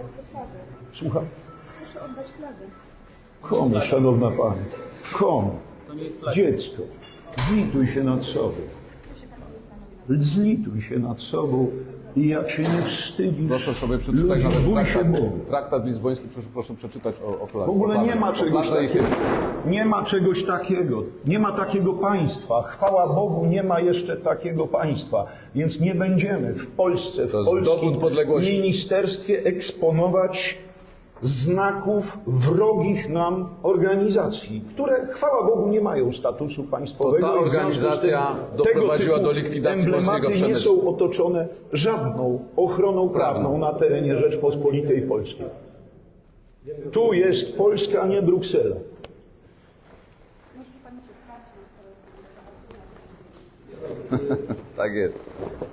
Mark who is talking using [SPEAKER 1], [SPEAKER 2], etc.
[SPEAKER 1] Słucham?
[SPEAKER 2] Proszę oddać flagę.
[SPEAKER 1] Komu, szanowna pani? Komu? Dziecko. Zlituj się nad sobą. Zlituj się nad sobą i jak się nie wstydzisz,
[SPEAKER 3] Proszę sobie przeczytać
[SPEAKER 1] ludzi, bój
[SPEAKER 3] nawet
[SPEAKER 1] się Bogu.
[SPEAKER 3] traktat lizboński, proszę przeczytać o
[SPEAKER 1] W
[SPEAKER 3] fladze.
[SPEAKER 1] ogóle nie ma czegoś
[SPEAKER 3] fladze i
[SPEAKER 1] takiego. Nie ma czegoś takiego. Nie ma takiego państwa. Chwała Bogu, nie ma jeszcze takiego państwa. Więc nie będziemy w Polsce, w
[SPEAKER 3] To jest
[SPEAKER 1] polskim
[SPEAKER 3] dowód podległości.
[SPEAKER 1] ministerstwie eksponować znaków wrogich nam organizacji, które, chwała Bogu, nie mają statusu państwowego.
[SPEAKER 3] To ta
[SPEAKER 1] i w związku z
[SPEAKER 3] organizacja
[SPEAKER 1] tym
[SPEAKER 3] doprowadziła
[SPEAKER 1] tego
[SPEAKER 3] do
[SPEAKER 1] typu
[SPEAKER 3] likwidacji polskiego
[SPEAKER 1] emblematy nie
[SPEAKER 3] przemysłu.
[SPEAKER 1] są otoczone żadną ochroną prawną na terenie Rzeczpospolitej Polskiej. Tu jest Polska, a nie Bruksela.
[SPEAKER 3] Tak jest.